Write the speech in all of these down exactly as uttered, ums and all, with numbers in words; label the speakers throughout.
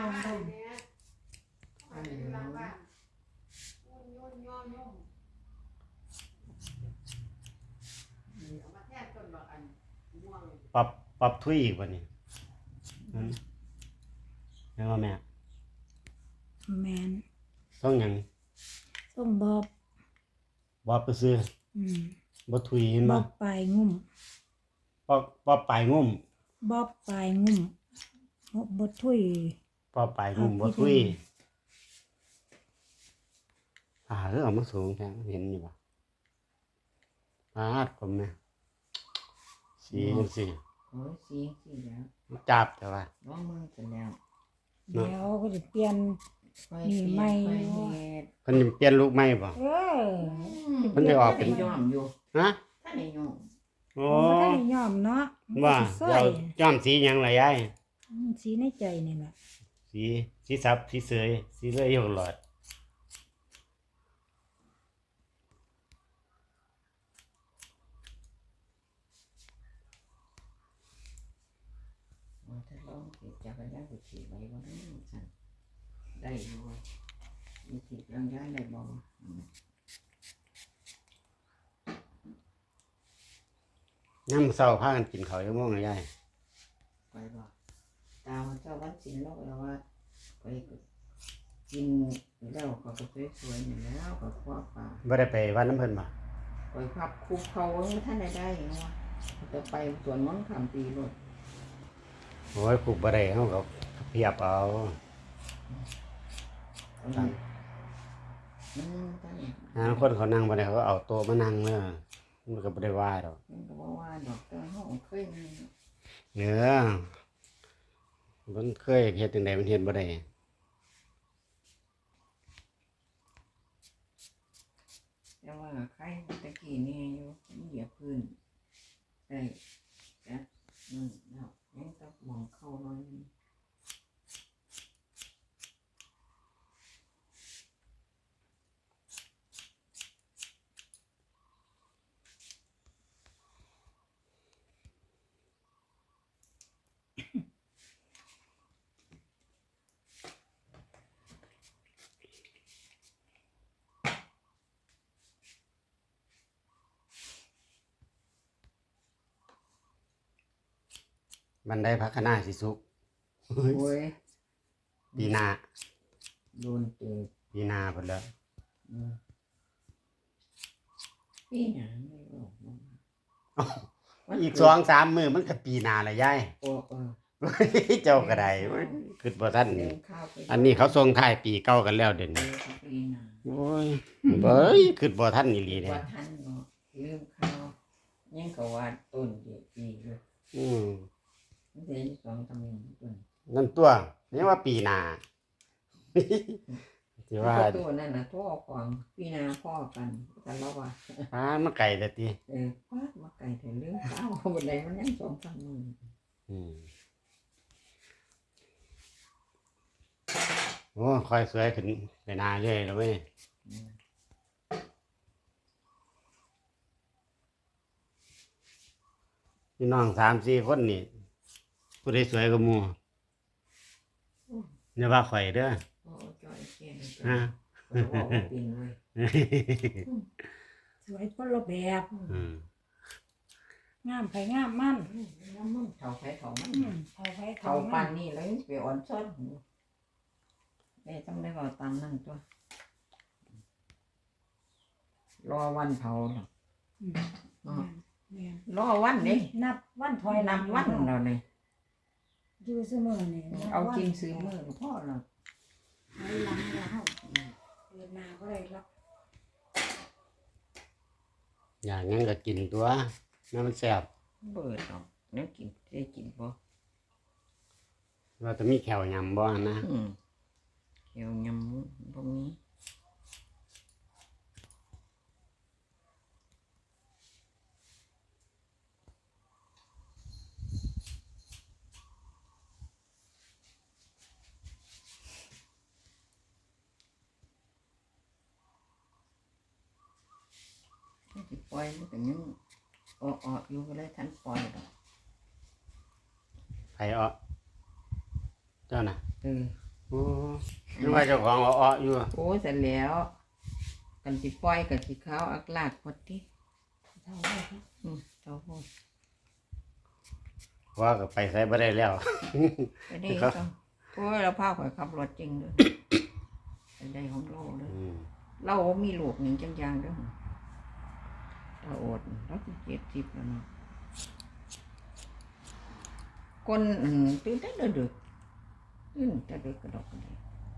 Speaker 1: องดม
Speaker 2: ปรับปรับทุยอีกวันนี้แม่ว่าแม่
Speaker 1: แมน
Speaker 2: ต้องยัง
Speaker 1: ต้องบอบ
Speaker 2: บอบไปซื้อบ่ทุยเห็น
Speaker 1: บ
Speaker 2: บ่
Speaker 1: อบปลายงุ่ม
Speaker 2: ปอบปอบปลายงุ่ม
Speaker 1: บอบปลายงุ่มบดทุย
Speaker 2: ปอบปลายงุ่มบ่ทุยอ่าเรื่องมาสูงแท้เห็นอยู่บ่ปาดผมเนี่ยสีจังซี่
Speaker 3: โอ้ยสีสีแล้ว
Speaker 2: จับแต่ว่า
Speaker 3: น้องมึงเสร็จแล้ว
Speaker 1: เดี๋ยวก็จะเปลี่ยนนี่ใหม่
Speaker 2: เพิ่นเปลี่ยนลูกใหม่บ่
Speaker 1: เออ
Speaker 2: เพิ่นได้ออกเป็น
Speaker 3: ย้อมอยู่
Speaker 2: ฮะ
Speaker 3: ถ้าได้ย้อม
Speaker 2: โอ้
Speaker 1: ถ้าได้ย้อมเนาะ
Speaker 2: ว่าเดี๋ยวย้อมสีหยังล่ะยาย
Speaker 1: สีในใจนี่แหละ
Speaker 2: สีสีสับสีเสยสีเลยอยู่หลอด
Speaker 3: ถ้าลองเก็บจักรยานไปขี่ไว้บ่ได้สั่นได้อยู่มีสิจักรยานได้บ่
Speaker 2: ยามมื้อเช้าพากันกินข้าวอยู่มื้อยาย
Speaker 3: ไปบ่ตามเจ้าวันศิลป์แล้วว่าไปกินแล้วก็สวยๆนี่แล้วก็คว้าป่า
Speaker 2: บ่ได้ไปวัดน้ำเพิ่นบ่
Speaker 3: ไปพับคุกเขาท่านได้ได้เนาะจะไปสวนมนต์ข้ามปีรถ
Speaker 2: โอ้ยปลูกบ่ได้เฮาก็เพียบเอาอ่าคนเขานั่งบ่ได้เขาเอาโต๊ะมานั่งเด้อมันก็บ่ได้ว่าดอก
Speaker 3: มันก็บ่ว่าดอกแต่เฮาเคยมี
Speaker 2: เนื้อมันเคยเฮ็ดจังได๋มันเฮ็ดบ่ได้
Speaker 3: แต่ว่าใครตะกี้นี่อยู่เหยียบพื้นได้จ้ะอืมแล้วยังต้องมองเข้าหน่อย
Speaker 2: บันไดพักคณะสิสุก
Speaker 3: โอ้ย
Speaker 2: ปีหน้า
Speaker 3: โดนเตะ
Speaker 2: ปีหน้าพุ่นแล้ว
Speaker 3: ปีหน้าไม่ออก
Speaker 2: อีก สองสาม มื้อมันก็ปีหน้าแล้วยาย
Speaker 3: โอ้เออ
Speaker 2: เจ้าก็ได้คิดบ่ทันอันนี้เขาส่งท้ายปีเก่ากันแล้วเดี๋ยวนี้โอ้ยเบ้ยคิดบ่ทันอีหลีเด้
Speaker 3: บ่ทันเนาะลืมข้าวยังก็ว่าต้นเดียวปีอยู่
Speaker 2: อืม
Speaker 3: เดือนสองตำแหน่งต้น
Speaker 2: นั่นตัวนี่ว่าปีหน้าสิว่า
Speaker 3: ตัวนั่นน่ะพ่อของปีหน้าพ่อกันกันแล้วว่า
Speaker 2: ป้ามาไกลแต่ติ
Speaker 3: เออป้ามาไกลแต่เรื่องข้าวบ่ได้มันยังสองสามมื้อ
Speaker 2: อืมโอ้ค่อยสวยขึ้นไปหน้าเรื่อยแล้วเว้ยพี่น้อง สามสี่ คนนี่ผู้ใดสวยกว่าหมู่อย่าว่าข่อยเด้อ
Speaker 3: โอ้จอยแก่
Speaker 2: ฮะ
Speaker 3: บอกว่าเป็นเลย
Speaker 1: สวยคนละแบบ
Speaker 2: อืม
Speaker 1: งามไผงามมัน
Speaker 3: งามมันเฒ่าไผเฒ่ามัน
Speaker 1: เฒ่าไผ
Speaker 3: เฒ่าปานนี้แล้วไปอ่อนซ้อนแม่ต้องได้เว้าตามนั้นตัวรอวันเผาเนาะรอวันนี่
Speaker 1: นับวันถอย
Speaker 3: นับวันแล้วนี่
Speaker 1: อยู่เสมอนี่
Speaker 3: เอาจริงซื้อมือพ่อเรา
Speaker 1: ถอยหลังแล้วเกิดมาก็ได้หรอก
Speaker 2: อย่างงั้นก็กินตัวน้ำมันแซ่บ
Speaker 3: เบิดเนาะแล้วกินได้กินบ่
Speaker 2: ว่าจะมีแขวยำบ่นะ
Speaker 3: แขวยำบ่มีสิปล่อยมันก็ยังออกๆอยู่ก็เลยทันปล่อยดอก
Speaker 2: ไผเอาเจ้าน่ะ
Speaker 3: เออ
Speaker 2: โอ้นึกว่าเจ้าของอ้อๆอยู่
Speaker 3: โอ้เสร็จแล้วกันสิปล่อยกันสิขาวอักลากพอดี
Speaker 1: เท่าไหร่ครับ
Speaker 3: อืมเจ้าพ่อ
Speaker 2: ว่าก็ไปใส่บ่ได้แล้ว
Speaker 3: ไปได้ก็โอ้ยเราพาข่อยขับรถจริงเลยไปได้ของเราเลย
Speaker 2: อืม
Speaker 3: เราบ่มีลูกหนึ่งจังยางเด้อเราอดเราสิเจ็ดสิบแล้วเนาะคนอืมตื่นแต่ดึกๆตื่นแต่ดึกกระดอกกระเดย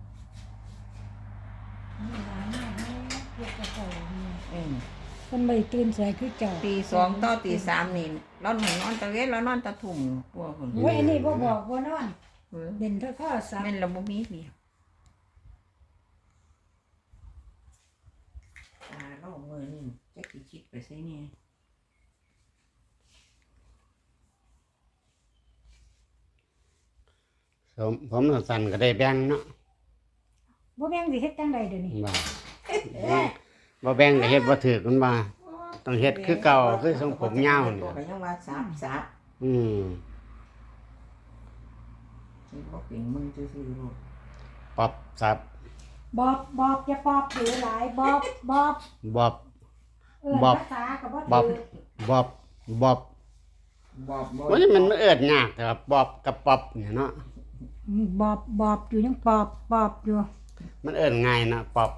Speaker 1: มีหลายแม่แม่เก็บกระเป๋าเนี่ย
Speaker 3: เออ
Speaker 1: คนไม่ตื่นสายคือเจ้า
Speaker 3: ตีสองต่อตีสามนี่เราหนนอนตะเวนเรานอนตะทุ่มกลัวคน
Speaker 1: โอ้ยอันนี้บ่บอกบ่นอน
Speaker 3: เออ
Speaker 1: เด่นเท่าข้อสับ
Speaker 3: แม่นเราบ่มีเมียตาเรามือนี่จักสิคิดไปไสเนี่ย
Speaker 2: ผมผมสั้นก็ได้แบ่งเนาะ
Speaker 1: บ่แม่งสิเฮ็ดจังใดเดี๋ยวนี้
Speaker 2: ว่าบ่แบ่งก็เฮ็ดบ่ถูกมันว่าต้องเฮ็ดคือเก่าคือทรงผมยาวนี่
Speaker 3: ตัวก็ยังว่าสับสับ
Speaker 2: อืม
Speaker 3: สิบ่เป็นมึงซื่อๆลูก
Speaker 2: ปอบสับบ
Speaker 1: อบบอกอย่าปอบถือหลายบอบบอบ
Speaker 2: บอบ
Speaker 1: เอิ้น
Speaker 2: บอบ
Speaker 1: ภาษาก็บ่
Speaker 2: บอบ
Speaker 1: ถือบ
Speaker 2: อบ บอบ
Speaker 3: บอกบ่
Speaker 2: มันมันเอิ้นยากแต่ว่าบอบกับปอบเนี่ยเนาะ
Speaker 1: อืมบอบบอบอยู่ยังปอบปอบอยู่
Speaker 2: มันเอิ้นง่ายนะปอบ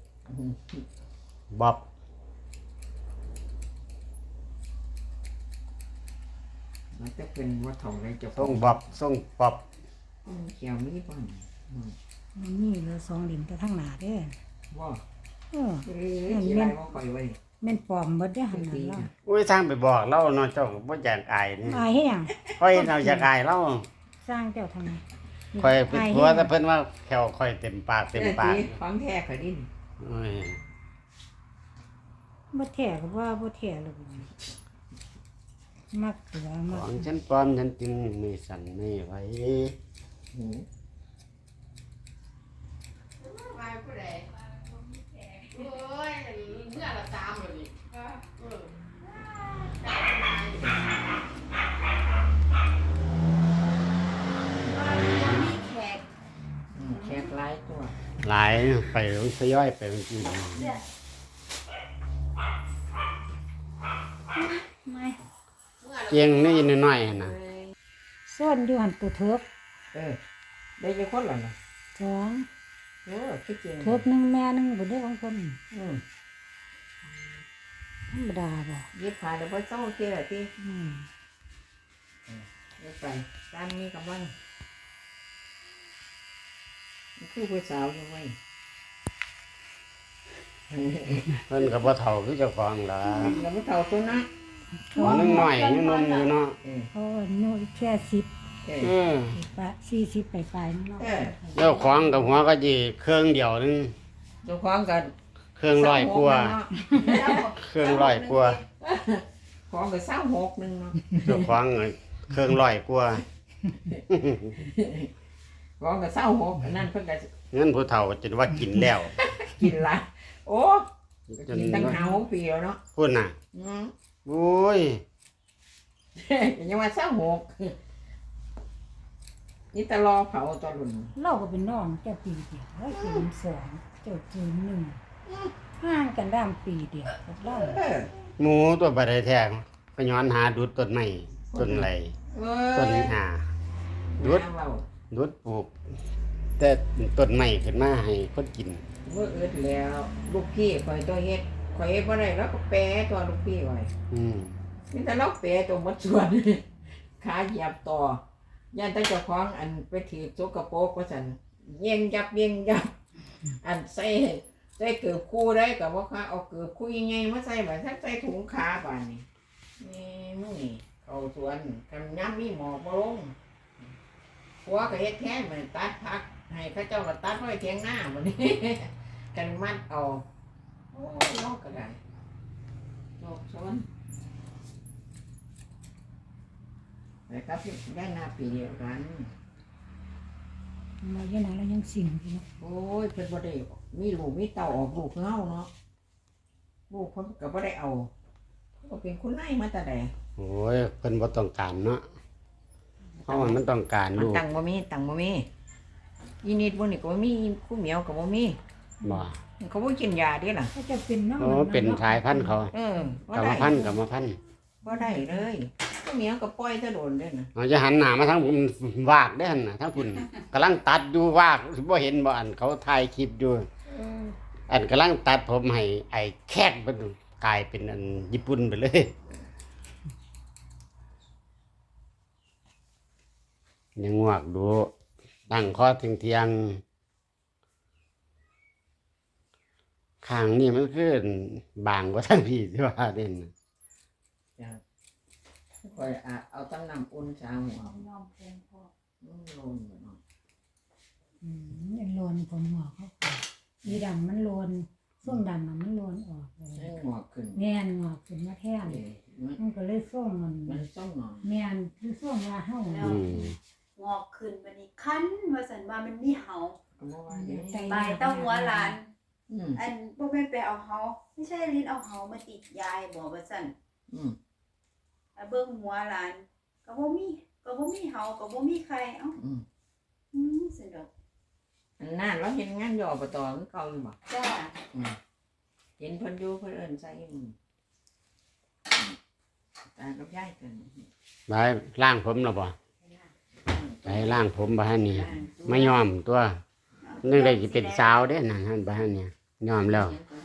Speaker 2: บอบ
Speaker 3: มันจะเป็นว่าเท่าไรจะ
Speaker 2: ทรงบอบทรงปอบ
Speaker 3: เขียวมีบ่น
Speaker 1: มันนี่เหลือสองเหลี่ยมแต่ทางหน้าเด้อ
Speaker 3: ว่า
Speaker 1: เออ
Speaker 3: เอ้ยสิไรบ่ค่อยไว้
Speaker 1: แม่นปลอมเบิดเด้อหั่นน่ะเนาะ
Speaker 2: อุ้ยสร้างไปบอกเราเนาะเจ้าก็บ่อยากอายนี่
Speaker 1: อายเฮ็ดหยัง
Speaker 2: ค่อยเราอยากอายเรา
Speaker 1: สร้างเจ้าทำไม
Speaker 2: ค่อยเป็น
Speaker 1: าย
Speaker 2: ผัว
Speaker 1: เฮ็ดห
Speaker 2: แต่
Speaker 1: ยัง
Speaker 2: เพิ่นว่าแขวค่อยเต็มปากเต็มปาก
Speaker 3: ของแท้ข่อยดิ
Speaker 2: โอ้ย
Speaker 1: บ่แท้ก็ว่าบ่แท้แล้วบัดนี้มักเสือ
Speaker 2: ข
Speaker 1: มัก
Speaker 2: องฉันปลอมฉันจึงไม่สั่นไม่ไหว
Speaker 3: หู
Speaker 2: โอ้ยเมื่อละตามเลยนี่
Speaker 3: อืมแขกหลายตัว
Speaker 2: หลายไปทยอยไปมันกิน
Speaker 1: ไม่
Speaker 2: เกียงนี่น้อยๆนะ
Speaker 1: ส่วนอยู่หั่นตัวเถิก
Speaker 3: เออได้กี่คนล่ะน่ะ
Speaker 1: สอง
Speaker 3: เออคิดจริง
Speaker 1: เถิกหนึงแม่หนึงบ่ได้ของคน
Speaker 3: อืม
Speaker 1: ธรรมดาบ่
Speaker 3: ยิบผ่านแล้วบ่เจ้าเที่ยติ
Speaker 1: อืม
Speaker 3: เดี๋ยวไปตามนี้กับมันคือผู้สาวอยู่ไว้
Speaker 2: เพิ่นก็บ่เฒ่าคือเจ้าของล่ะ
Speaker 3: แล้วบ่เท่าตัวนะ
Speaker 2: หัวนึงน้อยยังหนมอยู่เนาะ
Speaker 3: เออ
Speaker 1: เพราะว่าอายุแค่สิบ
Speaker 3: เอ
Speaker 2: เอ
Speaker 3: อ
Speaker 2: อ
Speaker 1: ปะสี่สิบไปปลายๆเนาะ
Speaker 3: เออ
Speaker 2: เจ้าของกับหัวก็สิเครื่องเดียวนึง
Speaker 3: เจ้าของกัน
Speaker 2: เครื่องร้อยกว่าเครื่องร้อยกว่า
Speaker 3: ของก็สามหกหนึงเนาะ
Speaker 2: เจ้าของก็เครื่องร้อยกว่า
Speaker 3: ของก็สามหกอันนั้นเพิ่นก็
Speaker 2: เงินผู้เฒ่าจนว่ากินแล้ว
Speaker 3: กินหลายโอ้
Speaker 2: จน
Speaker 3: กินตั้งห้าหกปีแล้วเนาะ
Speaker 2: พุ่นน่ะ
Speaker 3: อืม
Speaker 2: โอ้ย
Speaker 3: ยังว่าสามหกนี่ตะลอเผาตอนรุ่น
Speaker 1: เราก็เป็นน้องเจ้าปีเดียวเราเกินสองเจ้าเกินหนึ่งห่างกันด้ามปีเดียวกับเรา
Speaker 3: เออ
Speaker 2: หมูตัวบ่ได้แท้ก็ย้อนหาดุดต้นไม้ต้นไหล
Speaker 3: เอ
Speaker 2: ต้น
Speaker 3: อ
Speaker 2: หาดุด
Speaker 3: น้าเว้า
Speaker 2: ดุดปลูก แต่ต้นไม้ขึ้นมาให้คนกิน
Speaker 3: เมื่ออึดแล้ว ลูกพี่คอยตัวเฮ็ดคอยเฮ็ดบ่ได้แล้วก็แปรตัวลูกพี่ไว้
Speaker 2: อืม
Speaker 3: นี่แต่เราแปรตัวหมดส่วน ขาเหยียบต่อย่านแต่เจ้าของอันไปถือสกปรกว่าซั่นเยี่ยงยับเยี่ยงยับ อันใส่ใส่เกือบคู่ได้ก็บ่ค่ะเอาเกือบคู่ยังไงมาใส่บัดทักใส่ถุงขาบาดนี้นี่มึงนี่เข้าสวนกำยำมีหมอกบ่ลงผัวก็เฮ็ดแทนมันตัดผัก ให้เขาเจ้าก็ตัดไว้เถียงหน้าบัดนี้ กันมัดเอาโอ้ยนอกก็ได้นอกสวนนะครับได้หน้าปีเดียวกัน
Speaker 1: เราเยอะนะเรายังสิ่งอยู่เนาะ
Speaker 3: โอ้ยเพิ่นบ่ได้มีลูกมีเต้าออกลูกเฮาเนาะลูกเพิ่นก็บ่ได้เอาก็เป็นคนนายมาแต่ใด
Speaker 2: โอ้ยเพิ่นบ่ต้องการเนาะเพราะว่ามันต้องการ
Speaker 3: มัน
Speaker 2: ลูก
Speaker 3: ตังบ่มีตังบ่มีอีนิดบ่นี่ก็บ่มีคู่เหมียวก็บ่มี
Speaker 2: บ่
Speaker 3: เขาบ่กินยาเด้ล่ะ
Speaker 1: ก็จะเป็นน้อง
Speaker 2: โอ้เป็นสายพันธุ์เขา
Speaker 3: เออก
Speaker 2: รรมพันธุ์กรรมพันธุ์
Speaker 3: บ่ได้เลยคู่เหมียวก็ปล่อยซะโดนเด้น่ะ
Speaker 2: เราจะหันหน้ามาทางผมวากได้อหั่นน่ะทางคุณกำลังตัดอยู่วากบ่เห็นบ่อันเขาถ่ายคลิปอยู่ อันกำลังตัดผมให้ไอ้แคกมันกลายเป็นอันญี่ปุ่นไปเลยยังงวกดูตั้งคอเทียงเทียงๆข้างนี่มันคือบางกว่าทั้งพี่ที่ว่าเด่น
Speaker 3: จ้ะค่อยอ่ะเอาตั้งน้ำอุ่นชาหัว
Speaker 1: น้องเป็นพ่อ
Speaker 3: อืมลงบ่เนาะ
Speaker 1: อืมมันโลนผมหงอกเขาก่อนอีดำมันโลนส้มดำน่ะมันโลนออกเลย
Speaker 3: ให้งอกขึ้น
Speaker 1: แม่นงอกขึ้นมาแท่น
Speaker 3: เอ้ยมัน
Speaker 1: มันก็เลยส้มมัน
Speaker 3: มันต้องงอก
Speaker 1: แม่นคือส้มว่าเฮา
Speaker 4: แล้ว
Speaker 2: อืม
Speaker 4: งอกขึ้นบัดนี้คันว่าซั่นว่ามันมีเหา
Speaker 3: ก็บ่ว่าเด้
Speaker 4: บายเต้าหัวหลาน
Speaker 3: อืม
Speaker 4: อันบ่แม่นไปเอาเหาไม่ใช่ลิ้นเอาเหามาติดยายบอกว่าซั่น
Speaker 3: อืม
Speaker 4: แล้วเบิ่งหัวหลานก็บ่มีก็บ่มีเหาก็บ่มีใครเอ้า
Speaker 3: อืม
Speaker 4: อืมซั่นดอก
Speaker 3: อันนั้นเราเห็นงานย่อบตคือเก่าอยู่บ่
Speaker 4: จ้า
Speaker 3: อืมเห็นเพิ่นอยู่เพิ่นเอิ้นใส่อืมตากับยายกัน
Speaker 2: ไปล่างผมแล้วบ่ไปล่างผมบ้านนี่ไม่ยอมตัวนึกได้สิเป็นสาวเด้นั่นหั่นบ้านเนี่ยยอมแล้ว
Speaker 4: เสียงก็